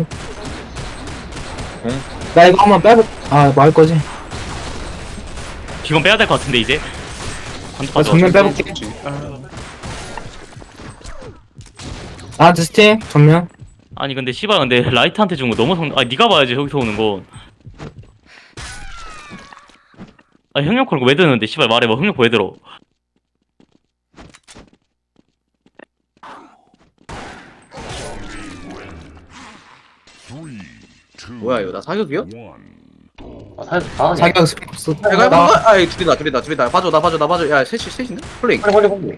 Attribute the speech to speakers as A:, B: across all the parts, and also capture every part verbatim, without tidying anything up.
A: 응?
B: 나 이거 한번 빼볼. 아, 뭐 할 거지?
C: 이건 빼야 될 것 같은데 이제. 관도
B: 나 정면 빼볼게. 나한테 스팅 정면.
C: 아니 근데 씨발 근데 라이트한테 준 거 너무 성. 아 네가 봐야지 여기서 오는 거. 아 형용 콜왜 드는데 씨발 말해봐 형용 왜 들어?
A: 뭐야 이거 나 사격이요?
D: 아, 사, 아,
B: 자기가 스팅 없어.
A: 야, 이거 해본
B: 나
A: 거야? 아이 둘이다 둘이다 둘이다 봐줘 나 봐줘 나 봐줘 야 셋이 셋인데? 플레잉
D: 빨리, 빨리, 빨리.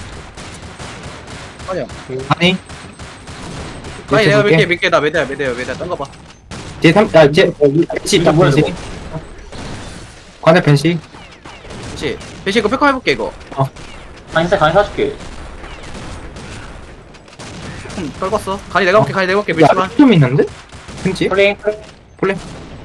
A: 아니야
B: 아니.
A: 아니 내가
B: 볼게.
A: 몇개 몇개 나 매대야 매대야 매대야 딴거 봐
B: 뒤에 삼, 야, 뒤에 벤시
D: 이거
B: 딱
D: 뭐야,
B: 벤시.
D: 이거?
B: 관에 벤시.
A: 그치 배시 이거 백컴 해볼게 이거
D: 강의 사, 강의 사줄게.
A: 음, 떨궜어 간이 내가 볼게 간이 내가 볼게
B: 야,
A: 밀지마
B: 좀 있는데? 벤시?
D: 플레잉, 플레잉.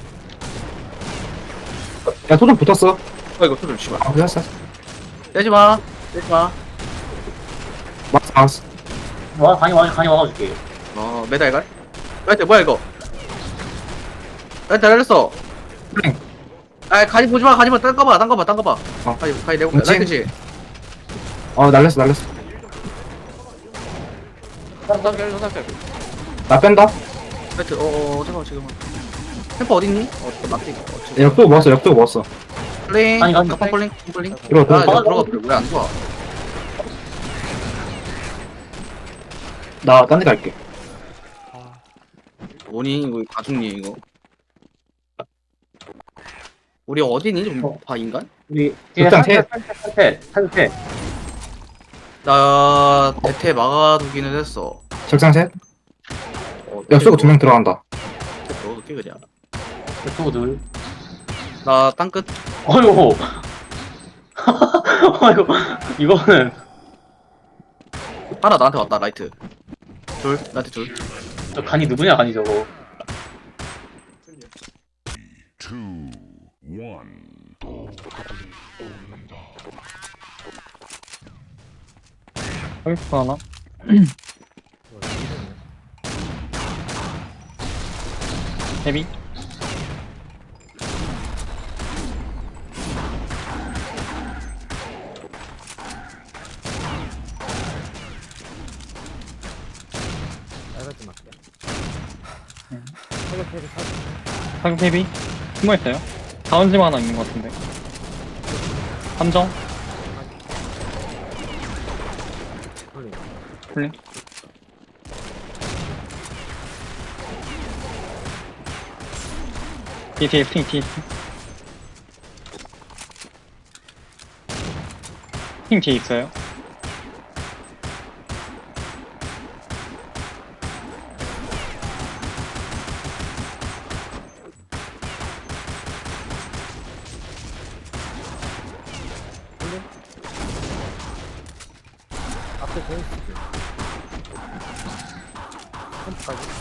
B: 야, 소좀 붙었어.
A: 어 이거 또좀 씨발
B: 아, 됐어.
A: 떼지마 떼지마
B: 막스, 막스.
D: 와, 강의 와, 강의 와가줄게.
A: 어 매달 갈 라이트 뭐야 이거 라이트 날렸어
B: 플레잉.
A: 아 간이 보지마 간이마 딴거 봐 딴거 봐 딴거 봐
B: 어.
A: 간이 간이 내가 볼게
B: 그치?
A: 라이트지
B: 어, 날렸어, 날렸어.
A: 손상결 손상결
B: 나 뺀다.
A: 라이트 어어 잠깐만 잠깐만 템퍼 어딨니? 어 맞지 어, 지금.
B: 역도 먹었어, 역도 먹었어.
A: 플레잉
D: 아니, 아니,
A: 컴 플레잉 컴 플레잉
B: 이거
A: 아
B: 들어가.
A: 내가 들어가 버려 왜안 좋아
B: 나 딴 데 갈게.
A: 뭐니 이거 가죽니 이거 우리 어디니 좀 봐 인간?
D: 우리, 뒤에
B: 극장
D: 탈퇴, 탈퇴, 탈퇴.
A: 나 대퇴 막아두기는 했어
B: 적상 셋.
A: 어,
B: 역수가 두 명 들어간다.
A: 어떻게 그냥
D: 백도들.
A: 나 땅끝
D: 어이구. 어이구. 이거는.
A: 하나 나한테 왔다 라이트 둘 나한테 둘
D: 저 간이 누구냐, 간이 저거.
E: two, one.
D: 헬프 하나? 헤비? 사격 헤비? 숨어있어요? 다운짐 하나 있는 것 같은데. 함정? 쿨링? 뒤에 뒤에 스팅 뒤에 스팅 스팅 뒤에 있어요.
F: 앞에 베이스지. 캠프까지.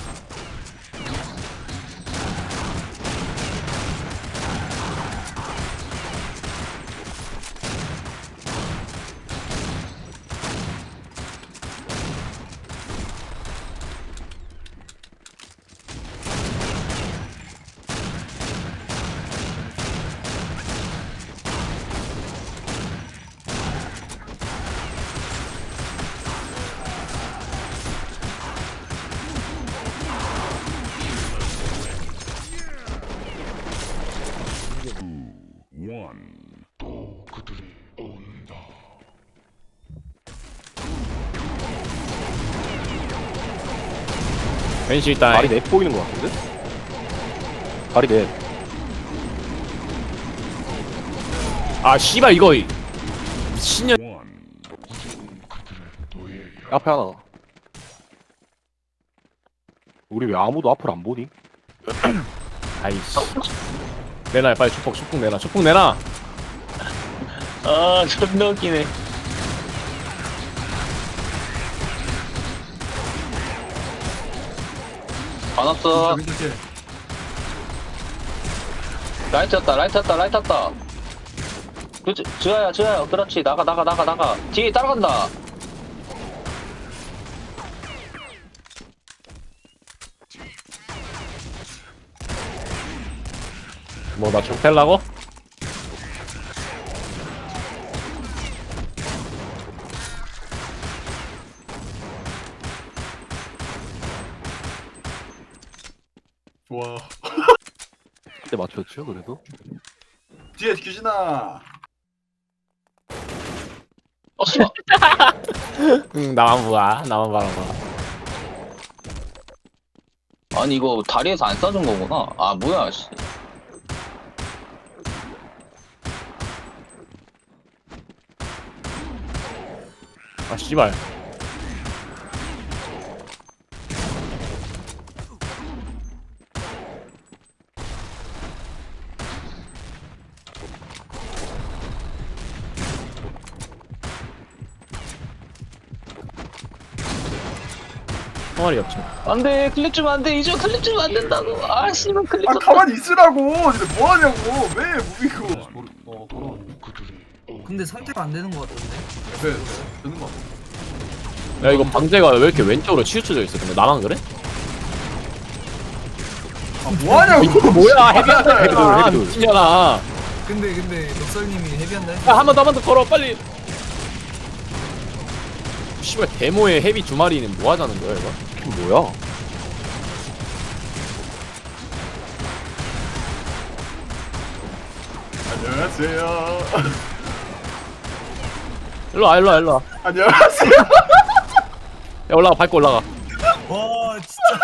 E: One. 그들이 온다.
G: 벤시 일단 다리 넷 보이는 것 같은데? 다리 넷. 아 씨발 이거 미친년.
E: One. 우리는 그들의 노예야.
G: 앞에 하나. 우리 왜 아무도 앞을 안 보니? 아이씨. 내놔 빨리 축복 축복 내놔 축복 내놔.
C: 아 존나 웃기네.
H: 안 왔어. 라이트 였다 라이트 였다 라이트 였다. 그치, 지아야, 지아야. 그렇지. 나가, 나가, 나가, 나가. 뒤에 따라간다.
G: 뭐나 죽펠라고?
A: 좋아.
G: 그때 맞췄죠 그래도?
A: 뒤에 규진아.
H: 어 씨발.
G: 응 나만 봐 나만 바라봐.
H: 아니 이거 다리에서 안 쏴준 거구나. 아 뭐야 씨.
G: 아 씨발. 총알이 없죠.
H: 안돼 클릭 주면 안돼 이제 클릭 주면 안 된다고. 아 씨발 클릭.
A: 아 가만히 있으라고. 근데 뭐 하냐고. 왜 무빙고? 어 걸어.
F: 근데 선택 안 되는 거 같던데.
A: 왜 되는 거 같아.
G: 야 이거 방제가 왜 이렇게 왼쪽으로 치우쳐져 있어? 근데 나만 그래?
A: 뭐 하냐고.
G: 이거 뭐야 헤비한다 헤비돌 헤비돌 미친년아.
F: 근데 근데 넉살님이 헤비한다 했어.
G: 야한 번 더 한 번 더 걸어 빨리. 씨발 데모의 헤비 두 마리는 뭐 하자는 거야 이거? 이게 뭐야?
A: 안녕하세요.
G: 일로와 일로와 일로와.
A: 안녕하세요.
G: 야 올라가 밟고 올라가.
F: 와 진짜.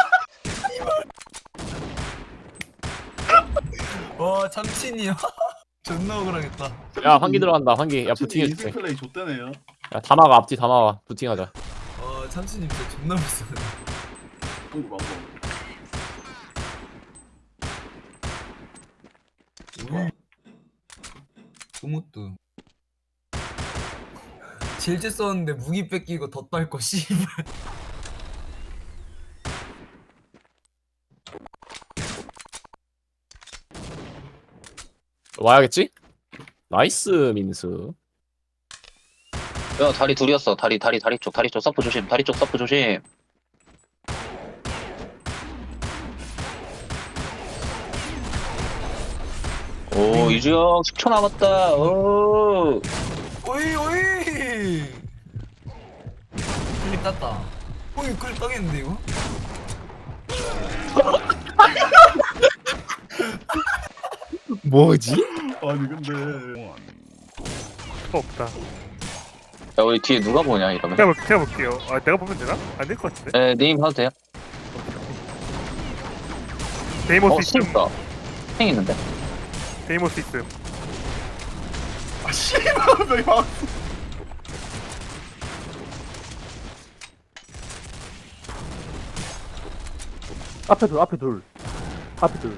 F: 와 참친이야. 존나 억울하겠다.
G: 야 환기 들어간다 환기. 야
A: 인생
G: 부팅해줄게.
A: 플레이 좆대네요.
G: 야 다 막아 앞뒤 다 막아 부팅하자.
F: 와 참친이 진짜 존나 무서워.
A: 한국 방송.
F: 음. 소모뚜. 질질 썼는데 무기 뺏기고 덧달 거 씨발.
G: 와야겠지? 나이스 민수.
H: 야 다리 둘이었어. 다리 다리 다리 쪽 다리 쪽 서프 조심. 다리 쪽 서프 조심. 오 이주영 십 초 남았다. 오.
F: 오이 오이. 클립 땄다. 오이 클립 따겠는데 이거?
G: 뭐지?
A: 아니 근데
I: 없다.
H: 야 우리 뒤에 누가 보냐 이러면.
I: 제가, 볼- 제가 볼게요. 아, 내가 보면 되나? 안 될 것 같은데.
H: 에 네임 하도 돼요?
I: 데이모스
H: 어
I: 있음.
H: 스니까 행 있는데.
I: 데이모스 있음.
A: 아 씨발 왜 막.
J: 앞에 둘, 앞에 둘, 앞에 둘.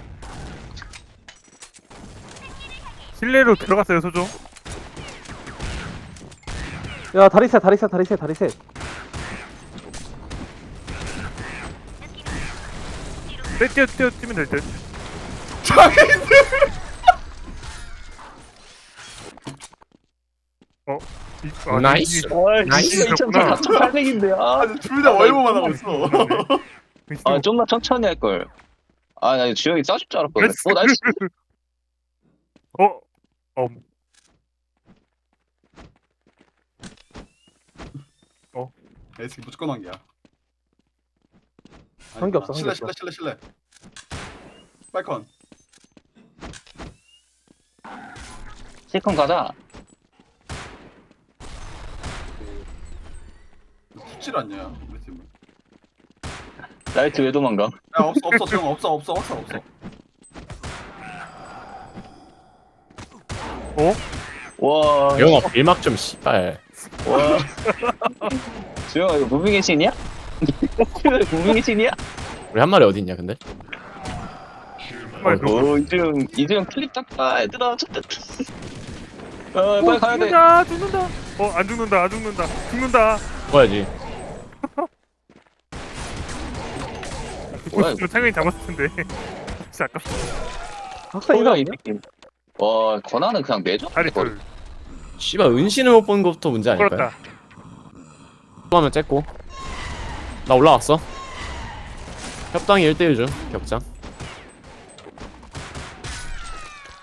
I: 실내로 들어갔어요, 소종.
J: 야, 다리 셋, 다리 셋, 다리 셋, 다리 셋.
I: 네, 뛰어, 뛰어, 뛰면 될 듯. 어? 이, 아,
G: 나이스.
I: 이-
G: 나이스.
I: 있었구나.
H: 사천팔백인데요. 아,
A: 아니 둘다 월보만 하고 있어.
H: 아 좀만 천천히 할 걸. 아 나 주영이 쏴줄 줄 알았거든. 어 나이스.
I: 어? 어,
A: 에이스 무조건 한 개야.
J: 관계 없어,
A: 실례
J: 관계
A: 실례 실례 실례. 빨컨.
H: 실컷 가자.
A: 붙질 않냐 우리 팀은.
H: 라이트 왜 도망가?
A: 야 없어 없어 지금 없어 없어 없어 없어.
H: 와.
G: 영어 빌막 좀 씨발.
H: 와. 주영아 이거 무빙의 신이야? 무빙의 신이야?
G: 우리 한 마리 어디 있냐 근데?
I: 정말 그
H: 오 이주영 이주영 클립 땄다 얘들아 쳤다. 어 빨리 가야 돼.
I: 죽는다, 죽는다. 어, 안 죽는다, 안 죽는다. 죽는다.
G: 뭐야지?
H: 뭐야,
I: 저 창현이 잡았을 텐데. 진짜 아깝다.
J: 학생
H: 뭐야 이
J: 이상이야?
H: 느낌. 와 권한은 그냥 내줘.
I: 다리 둘.
G: 씨발 은신을 못 본 것부터 문제 아닐까요?
I: 걸었다.
G: 또 하면 쨌고. 나 올라왔어. 협당이 일 대 일 중 격장.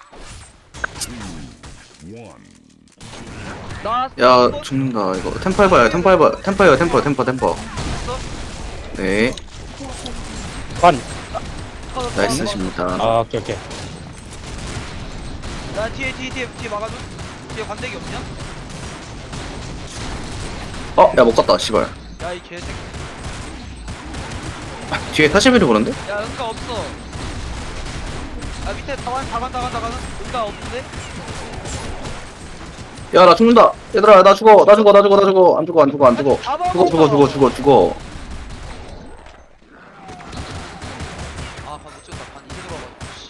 K: 나
A: 야 죽는다 이거. 템퍼 해봐요. 템퍼 해봐. 템퍼요 템퍼 템퍼 템퍼. 네
G: 반.
A: 나이스십니다.
G: 아 오케이 오케이.
K: 나 뒤에 뒤에 뒤에 뒤에 막아줘. 뒤에 관대기 없냐?
A: 어? 야 못 갔다 씨발.
K: 야 이 개새끼.
A: 뒤에 사시미를 보는데?
K: 야 응가 없어. 아 밑에 다간 다간 다간 다간은 응가 없는데?
A: 야 나 죽는다. 얘들아 나 죽어 나 죽어 나 죽어 나 죽어 안 죽어 안 죽어 안 죽어. 죽어 죽어 죽어 죽어 죽어.
K: 아관못 찍었다. 관 이제 들어가가지고. 씨.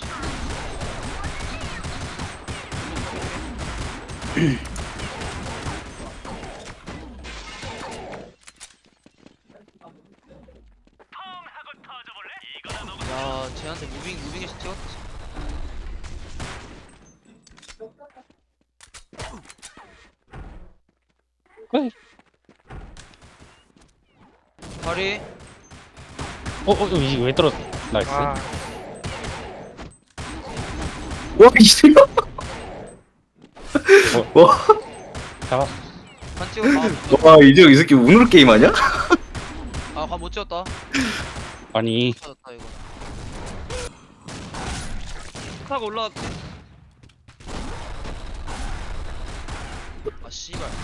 K: 야 쟤한테 무빙 무빙에 찍었지. 다리.
G: 어어 이게 왜 떨어졌어? 나이스.
I: 아
A: 와 이새끼. 와.
G: 잡아.
K: 관 찍었다.
A: 와 이제 이 새끼 운으로 게임 하냐?
K: 아관 못 찍었다.
G: 아니
K: 찾았다 이거. 타고 올라왔지. 아 씨발.